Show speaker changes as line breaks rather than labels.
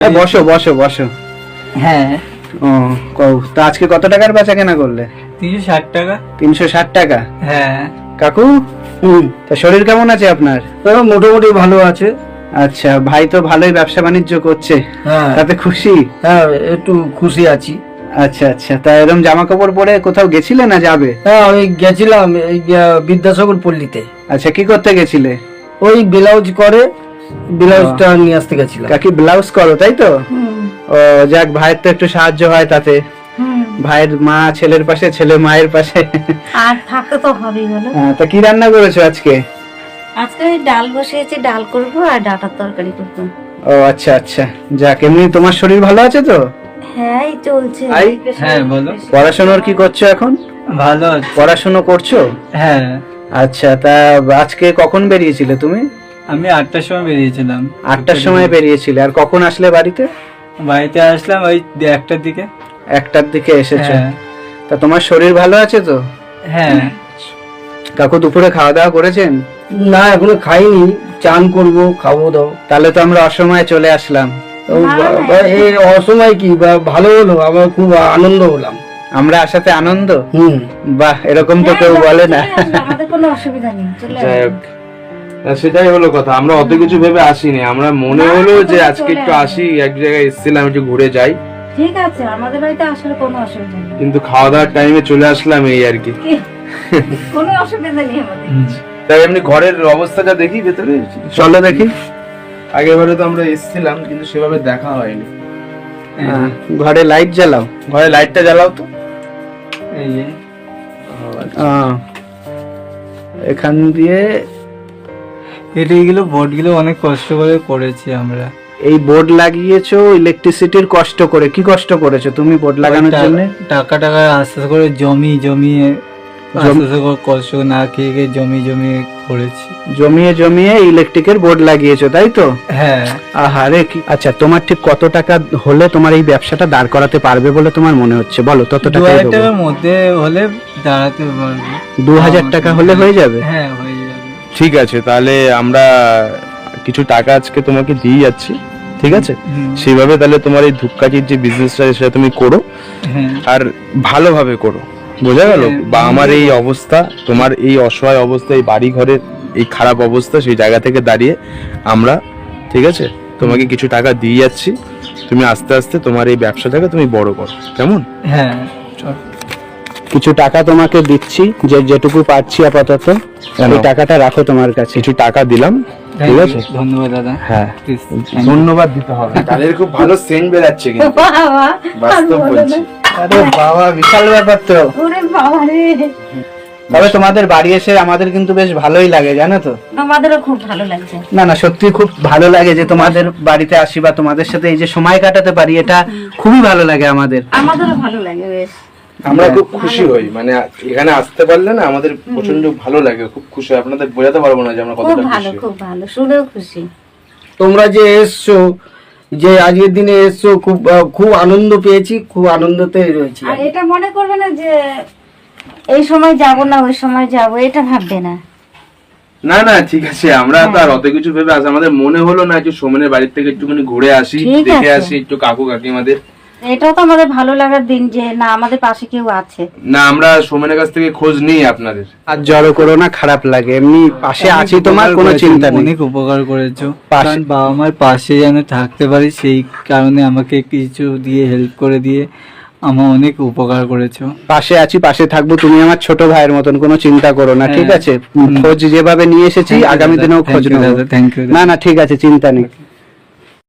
বসো বসো বসো।
হ্যাঁ।
ও কও তো আজকে কত টাকার বেচা কেনা করলে?
360 টাকা।
360 টাকা?
হ্যাঁ।
কাকু তা শরীর কেমন আছে আপনার?
মোটামুটি ভালো আছে।
আচ্ছা, ভাই তো ভালোই ব্যবসা বাণিজ্য করছে, তাতে খুশি?
হ্যাঁ, একটু খুশি আছি।
আচ্ছা আচ্ছা, তা এরকম জামা কাপড় পরে কোথাও গেছিলে না যাবে?
হ্যাঁ, আমি গেছিলাম এই বিদ্যাসাগর পল্লীতে।
আচ্ছা, কি করতে গেছিলে?
ওই ব্লাউজ করে, ব্লাউজটা নিয়ে আসতে গেছিলাম।
কাকি ব্লাউজ করো তাই তো? ও যাক, ভাইয়ের তো একটু সাহায্য হয় তাতে। ভাইয়ের মা ছেলের পাশে, ছেলে মায়ের পাশে,
আর থাকতে তো হবেই। বলো
তা কি রান্না করেছো আজকে?
আজকে ডাল বসিয়েছি, ডাল করব আর ডাটার তরকারি করব।
ও আচ্ছা আচ্ছা, যাক। এমনি তোমার শরীর ভালো আছে তো?
হ্যাঁ, এই চলছে।
হ্যাঁ বলো।
পড়াশোনার কি করছো এখন?
ভালো আছে।
পড়াশোনা করছো?
হ্যাঁ।
আচ্ছা, তা আজকে কখন বেরিয়েছিলে তুমি?
আমি 8টার সময় বেরিয়েছিলাম।
8টার সময় বেরিয়েছিলে, আর কখন আসলে বাড়িতে?
বাড়িতে আসলাম ওই 1টার দিকে।
1টার দিকে এসেছো?
হ্যাঁ।
তা তোমার শরীর ভালো আছে তো?
হ্যাঁ।
কাকু দুপুরে খাওয়া দাওয়া করেছেন?
না, এখনো খাইনি, চান করব, খাবো দাও।
তাহলে তো আমরা অসময়ে চলে আসলাম।
এই অসময় কি ভালো হলো, আমার খুব আনন্দ হলাম।
আমরা আসাতে আনন্দ? বাহ, এরকম তো কেউ বলে না।
আমাদের কোনো অসুবিধা নেই, চলে
যাই হোক, সেটাই হলো কথা। আমরা অত কিছু ভেবে আসিনি, আমরা মনে হলো যে আজকে একটু আসি, এক জায়গায় এসেছিলাম একটু ঘুরে যাই।
ঠিক আছে, আমাদের বাড়িতে আসলে কোনো অসুবিধা নেই,
কিন্তু খাওয়া দাওয়ার টাইমে চলে আসলাম, এই আর কি।
কোনো অসুবিধা নেই আমাদের।
তাই এমনি ঘরের অবস্থাটা দেখি ভেতরে,
চলো দেখি।
আগেবারে তো আমরা এসেছিলাম কিন্তু সেভাবে দেখা হয়নি।
ঘরে লাইট জ্বালাও।
ঘরে লাইটটা জ্বালাও তো।
এই যে
এখান দিয়ে
এইগুলো বোর্ডগুলো অনেক কষ্ট করে করেছি আমরা।
এই বোর্ড লাগিয়েছো ইলেকট্রিসিটির কষ্ট করে। কি কষ্ট করেছো তুমি বোর্ড লাগানোর জন্য?
টাকা আস্তে আস্তে করে জমিয়ে আস্তে আস্তে করে কষ্ট না খেয়ে খেয়ে জমিয়ে করেছি।
জমিয়ে ইলেকট্রিকের বোর্ড লাগিয়েছো তাই তো?
হ্যাঁ।
আহারে কি। আচ্ছা, তোমার ঠিক কত টাকা হলে তোমার এই ব্যবসাটা দাঁড় করাতে পারবে বলে তোমার মনে হচ্ছে? বলো, তত টাকা।
2000 টাকার মধ্যে হলে দাঁড়াতে পারবে।
2000 টাকা হলে হয়ে যাবে?
হ্যাঁ, হয়ে যাবে।
ঠিক আছে, তাহলে আমরা কিছু টাকা আজকে তোমাকে দিয়ে যাচ্ছি, ঠিক আছে? সেইভাবে তাহলে তোমার এই ধূপকাঠির যে বিজনেসটা সেটা তুমি করো, আর ভালোভাবে করো, বোঝা গেল? বা আমার এই অবস্থা, তোমার এই অসহায় অবস্থা, এই বাড়ি ঘরের এই খারাপ অবস্থা, সেই জায়গা থেকে দাঁড়িয়ে আমরা, ঠিক আছে, তোমাকে কিছু টাকা দিয়ে যাচ্ছি। তুমি আস্তে আস্তে তোমার এই ব্যবসাটাকে তুমি বড় করো, কেমন?
হ্যাঁ,
কিছু টাকা তোমাকে দিচ্ছি, যেটুকু পাচ্ছি আপাতত। এই টাকাটা রাখো তোমার কাছে।
কিছু টাকা দিলাম, ঠিক আছে?
ধন্যবাদ দাদা।
হ্যাঁ, ধন্যবাদ দিতে হবে। তাদের খুব ভালো সেন্ট বেরাচ্ছে কিন্তু,
বাবা,
বাস্তব বলছি।
আরে বাবা, বিশাল ব্যাপার তো।
ওরে বাবা রে।
তবে তোমাদের বাড়ি এসে আমাদের কিন্তু বেশ ভালোই লাগে, জানো তো?
আমাদেরও খুব ভালো লাগছে।
না সত্যি খুব ভালো লাগে যে তোমাদের বাড়িতে আসি বা তোমাদের সাথে এই যে সময় কাটাতে পারি, এটা খুবই ভালো লাগে আমাদের।
আমাদেরও ভালো লাগে বেশ।
আমরা খুব খুশি হই, মানে এখানে আসতে পারলে না আমাদের প্রচন্ড ভালো লাগে, খুব খুশি হই। আপনাদের বোঝাতে পারবো না যে আমরা
খুব
কতটা
ভালো,
খুশি।
খুব ভালো, শুনেও খুশি।
তোমরা যে এসছো, যে আজকের দিনে এসছো, খুব আনন্দ পেয়েছি, খুব আনন্দতে রয়েছি।
আর এটা মনে করবে না যে এই সময় যাব না ওই সময় যাব, এটা ভাববে না।
না না, ঠিক আছে, আমরা তো আর অত কিছু ভেবে আসি, আমাদের মনে হলো না একটু সোমেনের বাড়ির থেকে একটুখানি ঘুরে আসি,
ঠিক
দেখে
আছে।
আসি একটু কাকু কাকিমাদের।
এটাও তো আমাদের ভালো লাগার দিন যে না আমাদের পাশে কেউ আছে।
না, আমরা সোমেনের কাছ থেকে খোঁজ নিই আপনাদের।
আর জড়ো করো না, খারাপ লাগে। এমনি পাশে আছি, তোমার কোনো চিন্তা নেই।
অনেক উপকার করেছো,
পাশে-
কারণ বাবা মার পাশে যেন থাকতে পারি, সেই কারণে আমাকে কিছু দিয়ে হেল্প করে দিয়ে আমার অনেক উপকার করেছো।
পাশে আছি, পাশে থাকবো। তুমি আমার ছোট ভাইয়ের মতন, কোনো চিন্তা করো না, ঠিক আছে? খোঁজ যেভাবে নিয়ে এসেছি, আগামী দিনেও খোঁজ নেবো।
Thank you.
না ঠিক আছে, চিন্তা নেই।